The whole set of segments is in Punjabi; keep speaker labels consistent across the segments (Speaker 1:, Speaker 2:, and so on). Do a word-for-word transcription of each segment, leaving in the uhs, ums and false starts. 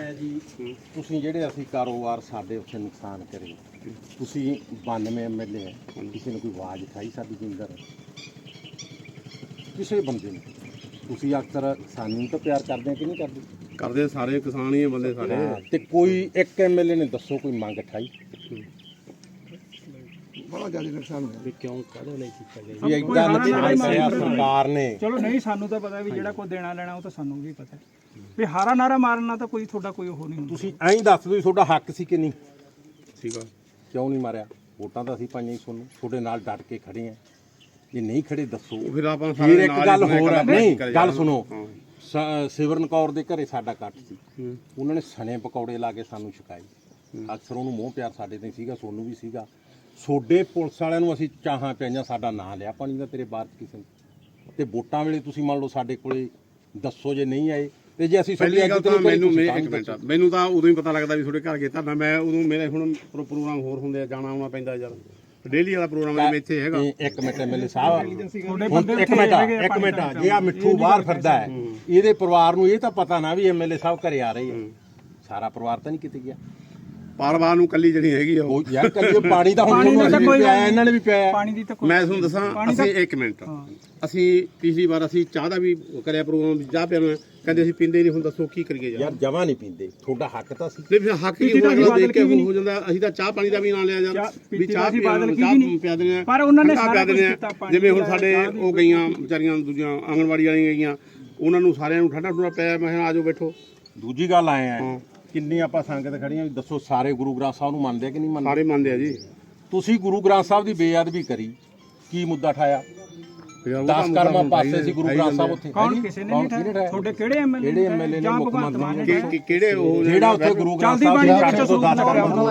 Speaker 1: ਹੈ ਜੀ ਤੁਸੀਂ ਜਿਹੜੇ ਅਸੀਂ ਕਾਰੋਬਾਰ ਸਾਡੇ ਉੱਥੇ ਨੁਕਸਾਨ ਕਰੇ ਤੁਸੀਂ ਬਾਨਵੇਂ ਐਮ ਐਲ ਏ ਹੈ ਕਿਸੇ ਨੇ ਕੋਈ ਆਵਾਜ਼ ਉਠਾਈ ਸਾਡੀ ਜ਼ਿੰਦਰ ਕਿਸੇ ਬੰਦੇ ਨੇ ਤੁਸੀਂ ਅਕਸਰ ਸਾਨੂੰ ਤਾਂ ਪਿਆਰ ਕਰਦੇ ਕਿ ਨਹੀਂ ਕਰਦੇ
Speaker 2: ਕਰਦੇ ਸਾਰੇ ਕਿਸਾਨ ਹੀ ਬੰਦੇ ਸਾਰੇ
Speaker 1: ਤੇ ਕੋਈ ਇੱਕ ਐਮ ਐਲ ਏ ਨੇ ਦੱਸੋ ਕੋਈ ਮੰਗ ਉਠਾਈ
Speaker 3: ਬੜਾ ਜ਼ਿਆਦਾ ਨੁਕਸਾਨ ਹੋਇਆ
Speaker 4: ਵੀ ਕਿਉਂ ਕਾਹਦੇ ਲਈ ਕੀਤਾ ਗਿਆ
Speaker 1: ਵੀ ਇਦਾਂ ਨੁਕਸਾਨ ਸਰਕਾਰ ਨੇ
Speaker 5: ਚਲੋ ਨਹੀਂ ਸਾਨੂੰ ਤਾਂ ਪਤਾ ਵੀ ਜਿਹੜਾ ਕੋਈ ਦੇਣਾ ਲੈਣਾ ਉਹ ਤਾਂ ਸਾਨੂੰ ਵੀ ਪਤਾ ਵੀ ਹਾਰਾ ਨਾਰਾ ਮਾਰਨਾ ਤਾਂ ਕੋਈ ਤੁਹਾਡਾ ਕੋਈ ਉਹ ਨਹੀਂ ਹੁੰਦਾ
Speaker 1: ਤੁਸੀਂ ਐਂ ਦੱਸ ਦਿਓ ਤੁਹਾਡਾ ਹੱਕ ਸੀ ਕਿ ਨਹੀਂ
Speaker 2: ਠੀਕ ਆ
Speaker 1: ਕਿਉਂ ਨਹੀਂ ਮਾਰਿਆ ਵੋਟਾਂ ਤਾਂ ਅਸੀਂ ਪਾਈਆਂ ਹੀ ਤੁਹਾਨੂੰ ਤੁਹਾਡੇ ਨਾਲ ਡਟ ਕੇ ਖੜੇ ਆ ਜੇ ਨਹੀਂ ਖੜੇ ਦੱਸੋ
Speaker 2: ਫਿਰ ਆਪਾਂ
Speaker 1: ਫਿਰ ਇੱਕ ਗੱਲ ਹੋਰ ਹੈ ਨਹੀਂ ਗੱਲ ਸੁਣੋ ਸਿਵਰਨ ਕੌਰ ਦੇ ਘਰੇ ਸਾਡਾ ਕੱਟ ਸੀ ਉਹਨਾਂ ਨੇ ਸਣੇ ਪਕੌੜੇ ਲਾ ਕੇ ਸਾਨੂੰ ਛਕਾਏ ਅਕਸਰ ਉਹਨੂੰ ਮੋਹ ਪਿਆਰ ਸਾਡੇ ਤੇ ਸੀਗਾ ਸੋਨੂੰ ਵੀ ਸੀਗਾ ਸੋਡੇ ਪੁਲਿਸ ਵਾਲਿਆਂ ਨੂੰ ਅਸੀਂ ਚਾਹਾਂ ਪਿਆਈਆਂ ਸਾਡਾ ਨਾਂ ਲਿਆ ਪਾਣੀ ਦਾ ਤੇਰੇ ਬਾਅਦ ਕਿਸੇ ਨੇ ਤੇ ਵੋਟਾਂ ਵੇਲੇ ਤੁਸੀਂ ਮੰਨ ਲਓ ਸਾਡੇ ਕੋਲੇ ਦੱਸੋ ਜੇ ਨਹੀਂ ਆਏ ਤੇ ਜੇ ਅਸੀਂ
Speaker 2: ਪਹਿਲੀ ਗੱਲ ਤਾਂ ਮੈਨੂੰ ਇੱਕ ਮਿੰਟ ਮੈਨੂੰ ਤਾਂ ਉਦੋਂ ਹੀ ਪਤਾ ਲੱਗਦਾ ਵੀ ਤੁਹਾਡੇ ਘਰ ਗਏ ਤਾਂ ਮੈਂ ਉਦੋਂ ਮੇਰੇ ਹੁਣ ਪ੍ਰੋਗਰਾਮ ਹੋਰ ਹੁੰਦੇ ਆ ਜਾਣਾ ਆਉਣਾ ਪੈਂਦਾ ਯਾਰ ਡੇਲੀ ਵਾਲਾ ਪ੍ਰੋਗਰਾਮ ਇੱਥੇ ਹੈਗਾ
Speaker 1: ਇੱਕ ਮਿੰਟ ਐਮਐਲਏ ਸਾਹਿਬ ਇੱਕ ਮਿੰਟ ਇੱਕ ਮਿੰਟ ਜੇ ਆ ਮਿੱਠੂ ਬਾਹਰ ਫਿਰਦਾ ਹੈ ਇਹਦੇ ਪਰਿਵਾਰ ਨੂੰ ਇਹ ਤਾਂ ਪਤਾ ਨਾ ਵੀ ਐਮਐਲਏ ਸਾਹਿਬ ਘਰੇ ਆ ਰਹੇ ਆ ਸਾਰਾ ਪਰਿਵਾਰ ਤਾਂ ਨਹੀਂ ਕਿਤੇ ਗਿਆ
Speaker 2: ਪਰਿਵਾਰ ਨੂੰ ਕੱਲੀ ਜਿਹੜੀ ਹੈਗੀ ਆ
Speaker 1: ਉਹ ਯਾਰ ਕੱਲੀ ਪਾਣੀ ਤਾਂ ਹੁਣ ਅਸੀਂ ਵੀ ਪਿਆ ਇਹਨਾਂ ਨੇ ਵੀ ਪਿਆ
Speaker 5: ਪਾਣੀ ਦੀ ਤਾਂ
Speaker 2: ਮੈਂ ਤੁਹਾਨੂੰ ਦੱਸਾਂ ਅਸੀਂ ਇੱਕ ਮਿੰਟ ਅਸੀਂ ਪਿਛਲੀ ਵਾਰ ਅਸੀਂ ਚਾਹ ਦਾ ਵੀ ਕਰਿਆ ਪ੍ਰੋਗਰਾਮ ਚਾਹ ਪਿਆਉਣਾ ਕਹਿੰਦੇ ਅਸੀਂ ਪੀਂਦੇ ਨਹੀਂ ਹੁਣ ਦੱਸੋ ਕੀ ਕਰੀਏ
Speaker 1: ਯਾਰ ਜਮਾ ਨਹੀਂ ਪੀਂਦੇ ਤੁਹਾਡਾ ਹੱਕ ਤਾਂ ਸੀ
Speaker 2: ਨਹੀਂ ਫਿਰ ਹੱਕ ਹੀ ਹੋਣਾ ਦੇਖ ਕੇ ਹੋ ਜਾਂਦਾ ਅਸੀਂ ਤਾਂ ਚਾਹ ਪਾਣੀ ਦਾ ਵੀ ਨਾਂ ਲਿਆ ਯਾਰ ਵੀ ਚਾਹ ਪਿਆ ਦਿੰਦੇ ਆ
Speaker 5: ਪਰ ਉਹਨਾਂ ਨੇ
Speaker 2: ਪਿਆ ਦਿੰਦੇ ਆ ਜਿਵੇਂ ਹੁਣ ਸਾਡੇ ਉਹ ਗਈਆਂ ਵਿਚਾਰੀਆਂ ਦੂਜੀਆਂ ਆਂਗਣਵਾੜੀ ਵਾਲੀਆਂ ਗਈਆਂ ਉਹਨਾਂ ਨੂੰ ਸਾਰਿਆਂ ਨੂੰ ਠੰਡਾ ਠੰਡਾ ਪਿਆ ਮੈਂ ਆ ਜਾਓ ਬੈਠੋ
Speaker 1: ਦੂਜੀ ਗੱਲ ਆਏ ਆ ਕਿੰਨੀ ਆਪਾਂ ਸੰਗਤ ਖੜੀਆਂ ਵੀ ਦੱਸੋ ਸਾਰੇ ਗੁਰੂ ਗ੍ਰੰਥ ਸਾਹਿਬ ਨੂੰ ਮੰਨਦੇ ਕਿ ਨਹੀਂ ਮੰਨਦੇ
Speaker 2: ਸਾਰੇ ਮੰਨਦੇ ਆ ਜੀ
Speaker 1: ਤੁਸੀਂ ਗੁਰੂ ਗ੍ਰੰਥ ਸਾਹਿਬ ਦੀ ਬੇਅਦਬੀ ਕਰੀ ਕੀ ਮੁੱਦਾ ਠਾਇਆ ਦਸ ਕਰਮਾਂ ਪਾਸੇ ਸੀ ਗੁਰੂ ਗ੍ਰੰਥ ਸਾਹਿਬ ਉੱਥੇ
Speaker 5: ਕੌਣ ਕਿਸੇ ਨੇ ਨਹੀਂ ਠਾਇਆ ਤੁਹਾਡੇ ਕਿਹੜੇ ਐਮਐਲਏ
Speaker 1: ਕਿਹੜੇ ਐਮਐਲਏ ਨੇ ਮੁੱਖ ਮੰਤਰੀ
Speaker 2: ਕਿਹੜੇ ਉਹ
Speaker 1: ਜਿਹੜਾ ਉੱਥੇ ਗੁਰੂ ਗ੍ਰੰਥ ਸਾਹਿਬ ਦੀ ਛੱਡ ਤੋਂ ਦਸ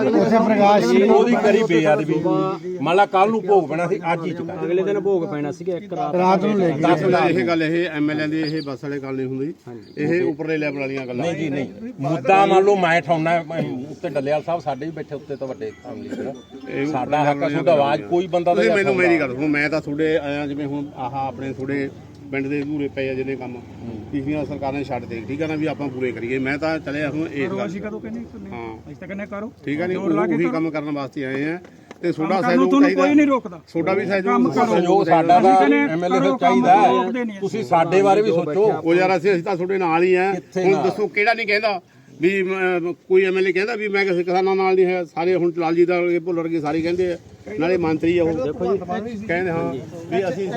Speaker 1: ਕਰਮਾਂ ਉਹਦੀ ਕਰੀ ਬੇਅਦਬੀ ਮੰਨ ਲਾ ਕੱਲ ਨੂੰ ਭੋਗ ਪੈਣਾ ਸੀ ਅੱਜ ਹੀ ਚੁਕਾ
Speaker 4: ਅਗਲੇ ਦਿਨ ਭੋਗ ਪੈਣਾ ਸੀਗਾ ਇੱਕ ਰਾਤ
Speaker 3: ਰਾਤ ਨੂੰ ਲੈ
Speaker 2: ਦਸ ਇਹ ਗੱਲ ਇਹ ਐਮਐਲਏ ਦੀ ਇਹ ਬੱਸ ਵਾਲੇ ਗੱਲ ਨਹੀਂ ਹੁੰਦੀ ਇਹ ਉੱਪਰਲੇ ਲੈਵਲ ਵਾਲੀਆਂ ਗੱਲਾਂ
Speaker 1: ਨਹੀਂ ਜੀ ਨਹੀਂ ਮੁੱਦਾ ਮੰਨ ਲਓ ਮੈਂ ਠਾਉਣਾ ਉੱਤੇ ਡੱਲੇਵਾਲ ਸਾਹਿਬ ਸਾਡੇ ਵੀ ਬੈਠੇ ਉੱਤੇ ਤਾਂ ਵੱਡੇ ਫੈਮਿਲੀ ਸਾਡਾ ਹੱਕ ਤੁਹਾਡਾ ਆਵਾਜ਼ ਕੋਈ ਬੰਦਾ
Speaker 2: ਤੁਸੀਂ ਮੈਨੂੰ ਮੇਰੀ ਗੱਲ ਸੁਣੋ ਮੈਂ ਤਾਂ ਤੁਹਾਡੇ ਆਇਆ ਜਿਵੇਂ ਹੁਣ ਆਹ ਆਪਣੇ ਤੁਹਾਡੇ ਪਿੰਡ ਦੇ ਅਧੂਰੇ ਪਏ ਆ ਜਿਹਨੇ ਕੰਮ ਪਿਛਲੀਆਂ ਸਰਕਾਰਾਂ ਨੇ ਛੱਡ ਦੇ ਠੀਕ ਆ ਨਾ ਵੀ ਆਪਾਂ ਪੂਰੇ ਕਰੀਏ ਮੈਂ ਤਾਂ ਚਲਿਆ ਹੁਣ ਇਸ ਗੱਲ
Speaker 5: ਅਸੀਂ ਕਦੋਂ ਕਹਿੰਦੇ ਹਾਂ ਅਸੀਂ ਤਾਂ ਕਹਿੰਦੇ ਕਰੋ
Speaker 2: ਠੀਕ ਆ ਨਹੀਂ ਉਹੀ ਕੰਮ ਕਰਨ ਵਾਸਤੇ ਆਏ ਆ ਤੇ ਤੁਹਾਡਾ
Speaker 5: ਸਹਿਯੋਗ ਚਾਹੀਦਾ ਕੋਈ ਨਹੀਂ ਰੋਕਦਾ
Speaker 2: ਤੁਹਾਡਾ ਵੀ ਸਹਿਯੋਗ
Speaker 1: ਸਹਿਯੋਗ ਸਾਡਾ ਦਾ ਐਮਐਲਏ ਨੂੰ ਚਾਹੀਦਾ ਤੁਸੀਂ ਸਾਡੇ ਬਾਰੇ ਵੀ ਸੋਚੋ
Speaker 2: ਉਹ ਯਾਰ ਅਸੀਂ ਅਸੀਂ ਤਾਂ ਤੁਹਾਡੇ ਨਾਲ ਹੀ ਆ ਹੁਣ ਦੱਸੋ ਕਿਹੜਾ ਨਹੀਂ ਕਹਿੰਦਾ ਵੀ ਕੋਈ ਐਮਐਲਏ ਕਹਿੰਦਾ ਵੀ ਮੈਂ ਕਿਸੇ ਕਿਸਾਨਾਂ ਨਾਲ ਨਹੀਂ ਹੈ ਸਾਰੇ ਹੁਣ ਲਾਲਜੀ ਦਾ ਭੁੱਲਰ ਕੇ ਸਾਰੇ ਕਹਿੰਦੇ ਆ ਨਾਲੇ ਮੰਤਰੀ ਆ ਉਹ ਕਹਿੰਦੇ ਹਾਂ ਵੀ ਅਸੀਂ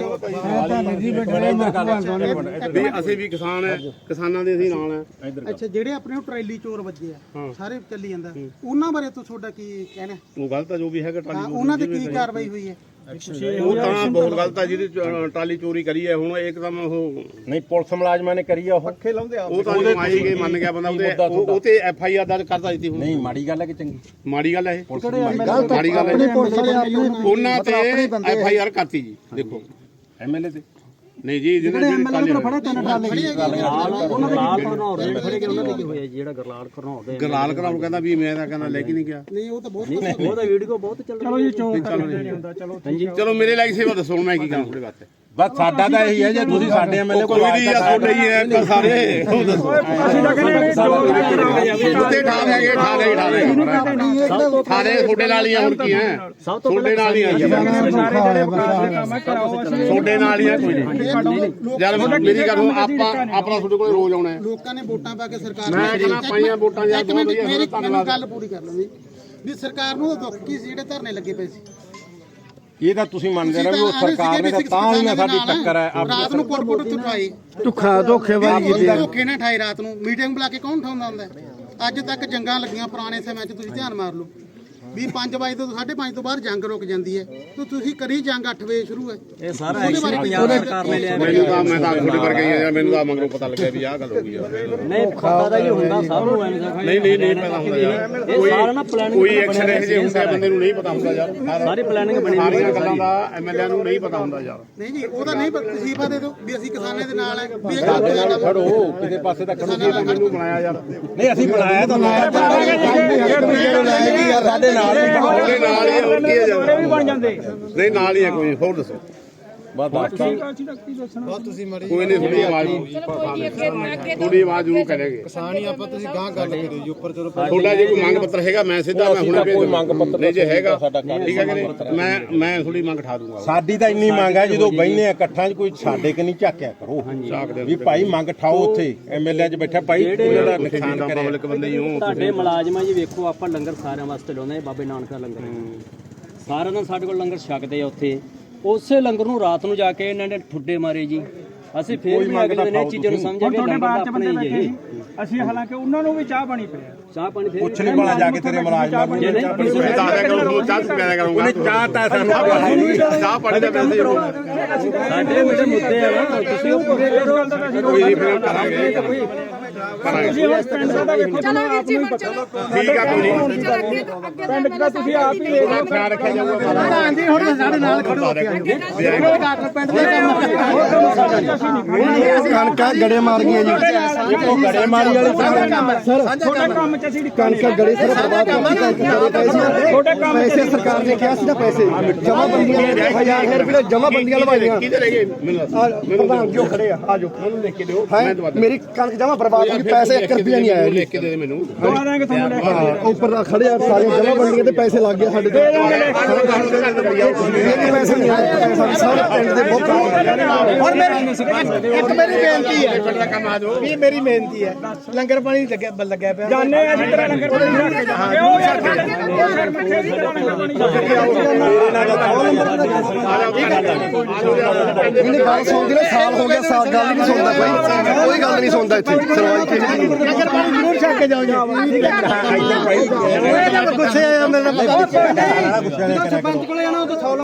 Speaker 2: ਵੀ ਅਸੀਂ ਵੀ ਕਿਸਾਨ ਹੈ ਕਿਸਾਨਾਂ ਦੇ ਅਸੀਂ ਨਾਲ ਹੈ
Speaker 6: ਅੱਛਾ ਜਿਹੜੇ ਆਪਣੇ ਉਹ ਟਰੈਲੀ ਚੋਰ ਵੱਜੇ ਆ ਸਾਰੇ ਚੱਲੀ ਜਾਂਦਾ ਉਹਨਾਂ ਬਾਰੇ ਤੋਂ ਤੁਹਾਡਾ ਕੀ ਕਹਿਣਾ
Speaker 2: ਉਹ ਗਲਤ ਆ ਜੋ ਵੀ ਹੈਗਾ ਟਰਾਲੀ
Speaker 6: ਉਹਨਾਂ ਤੇ ਕੀ ਕਾਰਵਾਈ ਹੋਈ ਹੈ
Speaker 2: ਉਹ ਤਾਂ ਬਹੁਤ ਗਲਤ ਆ ਜਿਹਦੀ ਟਰਾਲੀ ਚੋਰੀ ਕਰੀ ਹੈ ਹੁਣ ਇੱਕਦਮ ਉਹ
Speaker 1: ਨਹੀਂ ਪੁਲਿਸ ਮੁਲਾਜ਼ਮਾਂ ਨੇ ਕਰੀ ਆ ਉਹ
Speaker 5: ਪੱਖੇ ਲਾਉਂਦੇ ਆ
Speaker 2: ਉਹ ਤਾਂ ਆਈ ਗਏ ਮੰਨ ਗਿਆ ਬੰਦਾ ਉਹਦੇ ਉਹ ਤੇ ਐਫ ਆਈ ਆਰ ਦਰਜ ਕਰਦਾ ਦਿੱਤੀ ਹੁਣ
Speaker 1: ਨਹੀਂ ਮਾੜੀ ਗੱਲ ਹੈ ਕਿ ਚੰਗੀ
Speaker 2: ਮਾੜੀ ਗੱਲ ਹੈ ਇਹ
Speaker 1: ਪੁਲਿਸ ਦੀ ਮਾੜੀ ਗੱਲ
Speaker 2: ਮਾੜੀ ਗੱਲ ਹੈ ਉਹਨਾਂ ਤੇ ਐਫ ਆਈ ਆਰ ਕਰਤੀ ਜੀ ਦੇਖੋ
Speaker 1: ਐਮਐਲਏ ਤੇ
Speaker 2: ਨਹੀਂ ਜੀ ਜਿਹਨੇ
Speaker 6: ਐਮਐਲਏ ਨੂੰ ਫੜਿਆ ਤਿੰਨ ਟਰਾਲੇ
Speaker 4: ਗਰਲਾਲ ਘਰਨਾਉਰ ਦੇ ਖੜੇ ਕੇ ਉਹਨਾਂ ਦੇ ਕੀ ਹੋਇਆ ਜਿਹੜਾ ਗਰਲਾਲ ਘਰਨਾਉਰ ਦੇ
Speaker 2: ਗਰਲਾਲ ਘਰਨਾਉਰ ਕਹਿੰਦਾ ਵੀ ਮੈਂ ਤਾਂ ਕਹਿੰਦਾ ਲੈ ਕੇ ਨਹੀਂ ਗਿਆ
Speaker 6: ਨਹੀਂ ਉਹ ਤਾਂ ਬਹੁਤ
Speaker 4: ਉਹਦਾ ਵੀਡੀਓ ਬਹੁਤ ਚੱਲ
Speaker 5: ਚਲੋ ਜੀ ਚੋਰ ਕਰਦੇ ਨਹੀਂ ਹੁੰਦਾ ਚਲੋ
Speaker 2: ਚਲੋ ਮੇਰੇ ਲਈ ਸੇਵਾ ਦੱਸੋ ਮੈਂ ਕੀ ਕਰਾਂ ਤੁਹਾਡੇ ਵਾਸਤੇ
Speaker 1: ਬਸ ਸਾਡਾ ਤਾਂ ਇਹੀ ਹੈ ਜੇ ਤੁਸੀਂ ਸਾਡੇ ਐਮਐਲਏ
Speaker 2: ਕੋਈ ਨਹੀਂ ਆ ਤੁਹਾਡੇ ਹੀ ਹੈ ਸਾਰੇ ਉਹ ਦੱਸੋ
Speaker 5: ਅਸੀਂ ਤਾਂ ਕਹਿੰਦੇ
Speaker 2: ਉੱਤੇ ਠਾ ਲੈ ਗਏ ਠਾ ਲੈ ਠਾ ਲੈ ਠਾਲੇ ਤੁਹਾਡੇ ਨਾਲ ਹੀ ਆ ਹੁਣ ਕੀ ਹੈ ਤੁਹਾਡੇ ਨਾਲ ਹੀ ਆ ਤੁਹਾਡੇ ਨਾਲ ਹੀ ਆ ਕੋਈ ਨਹੀਂ ਯਾਰ ਮੇਰੀ ਗੱਲ ਆਪਾਂ ਆਪਣਾ ਤੁਹਾਡੇ ਕੋਲ ਰੋਜ਼ ਆਉਣਾ ਹੈ
Speaker 6: ਲੋਕਾਂ ਨੇ ਵੋਟਾਂ ਪਾ ਕੇ ਸਰਕਾਰ
Speaker 2: ਮੈਂ ਕਹਿੰਦਾ ਪਾਈਆਂ ਵੋਟਾਂ ਯਾਰ ਬਹੁਤ ਵਧੀਆ
Speaker 6: ਮੇਰੀ ਗੱਲ ਪੂਰੀ ਕਰ ਲਓ ਵੀ ਸਰਕਾਰ ਨੂੰ ਦੁੱਖ ਕੀ ਸੀ ਜਿਹੜੇ ਧਰਨੇ ਲੱਗੇ ਪਏ ਸੀ
Speaker 1: ਇਹ ਤਾਂ ਤੁਸੀਂ ਮੰਨਦੇ ਨਾ ਵੀ ਉਹ ਸਰਕਾਰ ਨੇ ਤਾਂ ਹੀ ਨਾ ਸਾਡੀ ਟੱਕਰ ਹੈ
Speaker 6: ਰਾਤ ਨੂੰ ਕੋਟ ਕੋਟ ਉਠਾਈ
Speaker 3: ਧੋਖਾ ਧੋਖੇਬਾਜ਼ੀ ਕੀਤੀ
Speaker 6: ਧੋਖੇ ਨਾਲ ਠਾਈ ਰਾਤ ਨੂੰ ਮੀਟਿੰਗ ਬੁਲਾ ਕੇ ਕੌਣ ਉਠਾਉਂਦਾ ਹੁੰਦਾ ਅੱਜ ਤੱਕ ਜੰਗਾਂ ਲੱਗੀਆਂ ਪੁਰਾਣੇ ਸਮੇਂ 'ਚ ਤੁਸੀਂ ਧਿਆਨ ਮਾਰ ਲਓ ਵੀ ਪੰਜ ਵਜੇ ਤੋਂ ਸਾਢੇ ਪੰਜ ਤੋਂ ਬਾਅਦ ਜੰਗ ਰੁਕ ਜਾਂਦੀ ਹੈ ਤੇ ਤੁਸੀਂ ਕਰੀ ਜੰਗ ਅੱਠ ਵਜੇ ਸ਼ੁਰੂ ਹੈ
Speaker 4: ਇਹ ਸਾਰਾ ਐਕਸ਼ਨ ਪੰਜਾਬ ਸਰਕਾਰ ਨੇ ਲਿਆ
Speaker 2: ਮੈਨੂੰ ਤਾਂ ਮੈਂ ਤਾਂ ਤੁਹਾਡੇ ਵਰਗੇ ਹੀ ਆ ਮੈਨੂੰ ਤਾਂ ਮਗਰੋਂ ਪਤਾ ਲੱਗਿਆ ਵੀ ਆਹ ਗੱਲ ਹੋ ਗਈ
Speaker 4: ਨਹੀਂ ਪਤਾ ਤਾਂ ਹੀ ਹੁੰਦਾ ਸਭ ਨੂੰ ਐਵੇਂ ਦਾ
Speaker 2: ਨਹੀਂ ਨਹੀਂ ਨਹੀਂ ਪਤਾ ਹੁੰਦਾ ਯਾਰ
Speaker 4: ਇਹ ਸਾਰਾ ਨਾ ਪਲਾਨਿੰਗ
Speaker 2: ਕੋਈ ਐਕਸ਼ਨ ਇਹ ਜੇ ਹੁੰਦਾ ਬੰਦੇ ਨੂੰ ਨਹੀਂ ਪਤਾ ਹੁੰਦਾ ਯਾਰ
Speaker 4: ਸਾਰੀ ਪਲਾਨਿੰਗ ਬਣੀ ਹੋਈ
Speaker 2: ਸਾਰੀਆਂ ਗੱਲਾਂ ਦਾ ਐਮਐਲਏ ਨੂੰ ਨਹੀਂ ਪਤਾ ਹੁੰਦਾ ਯਾਰ
Speaker 6: ਨਹੀਂ ਜੀ ਉਹਦਾ ਨਹੀਂ ਤਸੀਫਾ ਦੇ ਦਿਓ ਵੀ ਅਸੀਂ ਕਿਸਾਨਾਂ ਦੇ ਨਾਲ ਹੈ ਵੀ ਇਹ ਗੱਲ ਜ਼ਿਆਦਾ
Speaker 1: ਖੜੋ ਕਿਸੇ ਪਾਸੇ ਤਾਂ ਖੜੋ
Speaker 2: ਮੈਨੂੰ ਬਣਾਇਆ ਯਾਰ
Speaker 1: ਨਹੀਂ ਅਸੀਂ ਬਣਾਇਆ ਤਾਂ ਸਾਡੇ ਨਾਲ
Speaker 2: ਨਾਲ ਹੀ ਹੋਰ ਕੀ ਹੈ
Speaker 5: ਵੀ ਬਣ ਜਾਂਦੇ
Speaker 2: ਨਹੀਂ ਨਾਲ ਹੀ ਹੈ ਕੋਈ ਹੋਰ ਦੱਸੋ
Speaker 1: ਬਸ ਦੱਸ
Speaker 2: ਕੋਈ ਨਹੀਂ ਥੋੜੀ ਆਵਾਜ਼ ਥੋੜੀ ਆਵਾਜ਼ ਜ਼ਰੂਰ ਕਰੇਗੇ
Speaker 3: ਕਿਸਾਨੀ ਆਪਾਂ ਤੁਸੀਂ ਗਾਂ ਗੱਲ ਕਰਿਓ ਜੀ ਉੱਪਰ ਚਲੋ
Speaker 2: ਤੁਹਾਡਾ ਜੇ ਕੋਈ ਮੰਗ ਪੱਤਰ ਹੈਗਾ ਮੈਂ ਸਿੱਧਾ ਮੈਂ ਹੁਣੇ ਭੇਜ
Speaker 1: ਕੋਈ ਮੰਗ ਪੱਤਰ
Speaker 2: ਨਹੀਂ ਜੇ ਹੈਗਾ
Speaker 1: ਸਾਡਾ ਕੱਟ
Speaker 2: ਠੀਕ ਹੈ ਕਿ ਨਹੀਂ ਮੈਂ ਮੈਂ ਥੋੜੀ ਮੰਗ ਠਾ ਦੂੰਗਾ
Speaker 1: ਸਾਡੀ ਤਾਂ ਇੰਨੀ ਮੰਗ ਹੈ ਜਦੋਂ ਬਹਿਨੇ ਆ ਇਕੱਠਾਂ 'ਚ ਕੋਈ ਸਾਡੇ ਕਿ ਨਹੀਂ ਝਾਕਿਆ ਕਰੋ ਵੀ ਭਾਈ ਮੰਗ ਠਾਓ ਉੱਥੇ ਐਮਐਲਏ 'ਚ ਬੈਠਾ ਭਾਈ ਉਹਨਾਂ ਦਾ ਨੁਕਸਾਨ ਕਰਿਆ
Speaker 2: ਪਬਲਿਕ ਬੰਦੇ ਹੀ ਹੋ
Speaker 4: ਤੁਹਾਡੇ ਮੁਲਾਜ਼ਮਾਂ ਜੀ ਵੇਖੋ ਆਪਾਂ ਲੰਗਰ ਸਾਰਿਆਂ ਵਾਸਤੇ ਲਾਉਂਦੇ ਹਾਂ, ਬਾਬੇ ਨਾਨਕ ਦਾ ਲੰਗਰ ਸਾਰਿਆਂ ਨਾਲ ਸਾਡੇ ਕੋਲ ਲੰਗਰ ਛਕਦੇ ਆ ਉੱਥੇ। ਉਸੇ ਲੰਗਰ ਨੂੰ ਰਾਤ ਨੂੰ ਜਾ ਕੇ ਇਹਨਾਂ ਨੇ ਠੁੱਡੇ ਮਾਰੇ ਜੀ। ਅਸੀਂ ਫੇਰ ਵੀ ਅਗਲੇ ਦਿਨ ਇਹ ਚੀਜ਼ਾਂ ਨੂੰ ਸਮਝਿਆ ਵੀ
Speaker 5: ਤੁਹਾਡੇ
Speaker 4: ਲੰਗਰ
Speaker 5: ਬਾਅਦ ਚ
Speaker 4: ਆਪਣੇ
Speaker 5: ਬੰਦੇ
Speaker 4: ਹੀ
Speaker 5: ਬੈਠੇ
Speaker 4: ਇਹ
Speaker 5: ਸੀ ਅਸੀਂ ਹਾਲਾਂਕਿ ਉਹਨਾਂ ਨੂੰ ਵੀ ਚਾਹ ਪਾਣੀ ਪਿਆ
Speaker 4: ਚਾਹ ਪਾਣੀ ਫੇਰ
Speaker 1: ਪੁੱਛ ਨਹੀਂ ਭਲਾ ਜਾ ਕੇ ਤੇਰੇ ਮੁਲਾਜ਼ਮਾਂ ਨੂੰ
Speaker 4: ਜੇ ਨਹੀਂ
Speaker 2: ਤੁਸੀਂ ਤਾਂ ਆਇਆ ਕਰੋ ਚਾਹ ਪਿਆ ਕਰੂੰਗਾ
Speaker 1: ਉਹਨੇ ਚਾਹ ਤਾਂ ਸਾਨੂੰ
Speaker 2: ਚਾਹ ਪਾਣੀ ਦਾ ਪੈਸੇ ਹੀ ਹੋਊਗਾ
Speaker 4: ਸਾਡੇ ਜਿਹੜੇ ਮੁੱਦੇ ਆ ਨਾ ਤੁਸੀਂ ਉਹ ਪੂਰੇ ਕਰੋ।
Speaker 2: ਕੋਈ ਨਹੀਂ ਫਿਰ ਕਰਾਂਗੇ
Speaker 5: ਤੁਸੀਂ ਹੁਣ ਪਿੰਡ ਦਾ ਵੇਖੋ
Speaker 7: ਚਲੋ ਵੀਰ ਜੀ ਹੁਣ ਚਲੋ
Speaker 2: ਠੀਕ ਆ ਕੋਈ ਨਹੀਂ
Speaker 7: ਚਲੋ ਅੱਗੇ ਤੋਂ ਅੱਗੇ
Speaker 5: ਪਿੰਡ ਚ ਤਾਂ ਤੁਸੀਂ ਆਪ ਹੀ ਵੇਖ ਲਓ
Speaker 2: ਖਿਆਲ ਰੱਖਿਆ ਜਾਊਗਾ
Speaker 6: ਹਾਂਜੀ ਹੁਣ ਸਾਡੇ ਨਾਲ ਖੜੋ ਪਿੰਡ ਦੇ
Speaker 3: ਕਣਕਾਂ ਗੜੇ ਮਾਰ ਗਈਆਂ ਜੀ
Speaker 1: ਦੇਖੋ ਗੜੇ ਮਾਰੀ ਵਾਲੀ
Speaker 3: ਸਰ
Speaker 5: ਤੁਹਾਡਾ ਕੰਮ ਚ ਅਸੀਂ
Speaker 3: ਕਣਕਾਂ ਗੜੇ ਸਰ ਬਰਬਾਦ
Speaker 5: ਤੁਹਾਡੇ ਕੰਮ
Speaker 3: ਪੈਸੇ ਸਰਕਾਰ ਨੇ ਕਿਹਾ ਸੀ ਨਾ ਪੈਸੇ ਜਮਾ ਬੰਦੀਆਂ ਹਜ਼ਾਰ ਰੁਪਏ ਜਮਾ ਬੰਦੀਆਂ ਲਵਾਈਆਂ
Speaker 2: ਕਿਹਦੇ ਰਹਿ ਗਏ ਮੈਨੂੰ ਦੱਸ
Speaker 3: ਪ੍ਰਧਾਨ ਜੋ ਖੜੇ ਆ ਆ ਜਾਓ
Speaker 2: ਮੈਨੂੰ ਲਿਖ ਕੇ ਦਿਓ ਮੈਂ ਦਵਾ
Speaker 3: ਮੇਰੀ ਕਣਕ ਜਮਾ ਬਰਬਾਦ ਹੋ ਗਈ ਪੈਸੇ ਇੱਕ ਰੁਪਿਆ ਨਹੀਂ ਆਇਆ ਜੀ
Speaker 2: ਲਿਖ ਕੇ ਦੇ ਦੇ ਮੈਨੂੰ
Speaker 5: ਦਵਾ ਦਾਂਗੇ ਤੁਹਾਨੂੰ ਲੈ ਕੇ
Speaker 3: ਹਾਂ ਉੱਪਰ ਆ ਖੜੇ ਆ ਸਾਰੇ ਜਮਾ ਬੰਦੀਆਂ ਤੇ ਪੈਸੇ ਲੱਗ ਗਏ ਸਾਡੇ ਤੇ ਇਹ ਪੈਸੇ ਨਹੀਂ ਆਏ ਪੈਸਾ ਸਾਰੇ ਪਿੰਡ ਦੇ ਬਹੁਤ
Speaker 6: ਹੁਣ ਮੇਰੀ ਇੱਕ ਮੇਰੀ ਬੇਨਤੀ ਹੈ
Speaker 2: ਪਿੰਡ ਦਾ ਕੰਮ ਆ ਜਾਓ
Speaker 6: ਵੀ ਮੇਰੀ ਬੇਨਤੀ ਹੈ ਲੰਗਰ ਪਾਣੀ ਲੱਗਿਆ ਲੱਗਿਆ ਪਿਆ
Speaker 5: ਜਾਣੇ ਆ ਜਿੱਦਾਂ ਲੰਗਰ ਪਾਣੀ ਛੱਡ ਕੇ ਜਾਵਾਂਗੇ ਉਹ ਯਾਰ ਉਹ ਫਿਰ ਮੱਥੇ ਦੀ ਤਰ੍ਹਾਂ ਲੰਗਰ ਪਾਣੀ ਛੱਡ ਕੇ
Speaker 3: ਇਹਨੇ ਗੱਲ ਸੁਣਦੀ ਨੇ ਸਾਲ ਹੋ ਗਿਆ ਸਾਲ ਗੱਲ ਨਹੀਂ ਸੁਣਦਾ ਕੋਈ ਕੋਈ ਗੱਲ ਨਹੀਂ ਸੁਣਦਾ ਇੱਥੇ ਸਰਵਾਈ ਕਿਸੇ ਦੀ ਨਹੀਂ
Speaker 6: ਲੰਗਰ ਪਾਣੀ ਜ਼ਰੂਰ ਛੱਡ ਕੇ ਜਾਓ ਜੀ ਇਹ ਤਾਂ ਗੁੱਸੇ ਆ ਮੇਰੇ ਨਾਲ ਪਤਾ ਨਹੀਂ ਸਰਪੰਚ ਕੋਲੇ ਜਾਣਾ ਉਹ ਤਾਂ